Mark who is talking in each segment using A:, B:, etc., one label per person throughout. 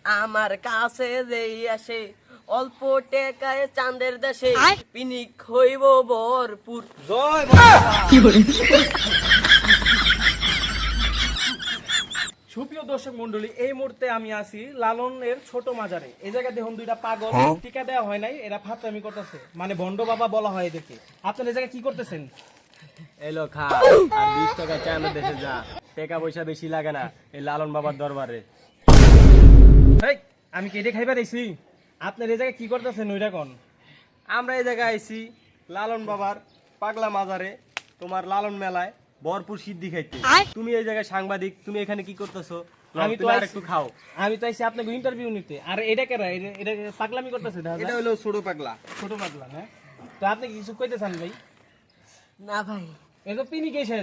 A: আমার কাছে যেই আসে অল্প টেকায় চাঁদের দেশে পিনিক হইব ভরপুর।
B: জয় সুপ্রিয় দর্শক মন্ডলী, এই মুহূর্তে আমি আছি লালনের ছোট মাজারে। এই জায়গায় দেখুন দুইটা পাগল, টিকা দেওয়া হয় নাই, এরা ফাতরামি করতেছে, মানে ভণ্ড বাবা বলা হয় এদেরকে। আপনারা এই জায়গায় কি করতেছেন?
C: এলো খা আর 20 টাকা চাঁদের দেশে যা, টাকা পয়সা বেশি লাগে না এই লালন বাবার দরবারে।
B: এই, আমি কি এটা খাইবার আইছি? আপনারা এই জায়গায় কি করতেছেন ওইটা কোন?
C: আমরা এই জায়গায় আইছি লালন বাবার পাগলা মাজারে, তোমার লালন মেলায় ভরপুর সিদ্ধি খাইতে। তুমি এই জায়গায় সাংবাদিক, তুমি এখানে কি করতেছো?
B: আমি তো
C: আর একটু খাও।
B: আমি তো আইছি আপনাকে ইন্টারভিউ নিতে। আর এটা কেরা? এটা পাগলামি করতেছে,
C: এটা হলো ছোট পাগলা।
B: ছোট পাগলা, হ্যাঁ? তো আপনি কি কিছু কইতে চান ভাই?
A: না ভাই,
B: এ তো পিনি কেসের।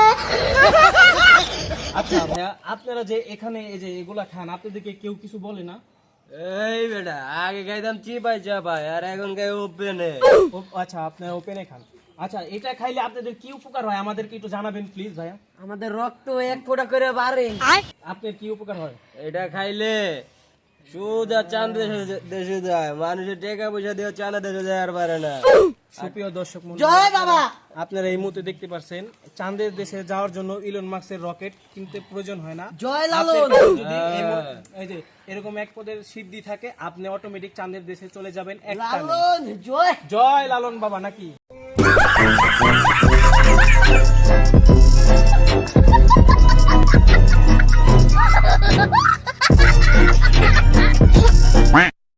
B: আচ্ছা ভাইয়া, আপনারা যে এখানে এই যে এগুলা খান, আপনাদেরকে কেউ কিছু বলে না?
C: এই বেটা, আগে খাইতাম চিপাই চাপাই, আর এখন খাই ওপেনে।
B: আচ্ছা, আপনারা ওপেনে খান। আচ্ছা, এটা খাইলে আপনাদের কি উপকার হয় আমাদেরকে একটু জানাবেন প্লিজ ভাইয়া।
A: আমাদের রক্ত এক ফোঁটা করে বাড়ে।
B: আপনার কি উপকার হয়?
C: এটা খাইলে সোজা চাঁদ দেশে যায়, মানুষের টাকা পয়সা দিয়ে চাঁদ দেশে যায় আর পারে না।
B: সুপ্রিয় দর্শক মণ্ডলী,
A: জয় বাবা।
B: আপনারা এই মুহূর্তে দেখতে পাচ্ছেন চাঁদের দেশে যাওয়ার জন্য ইলন মাস্কের রকেট কিনতে প্রয়োজন হয় না।
A: জয় লালন।
B: আপনার যদি এই যে এরকম এক পদের সিদ্ধি থাকে, আপনি অটোমেটিক চাঁদের দেশে চলে যাবেন এক টানে।
A: লালন জয়।
B: জয় লালন বাবা নাকি?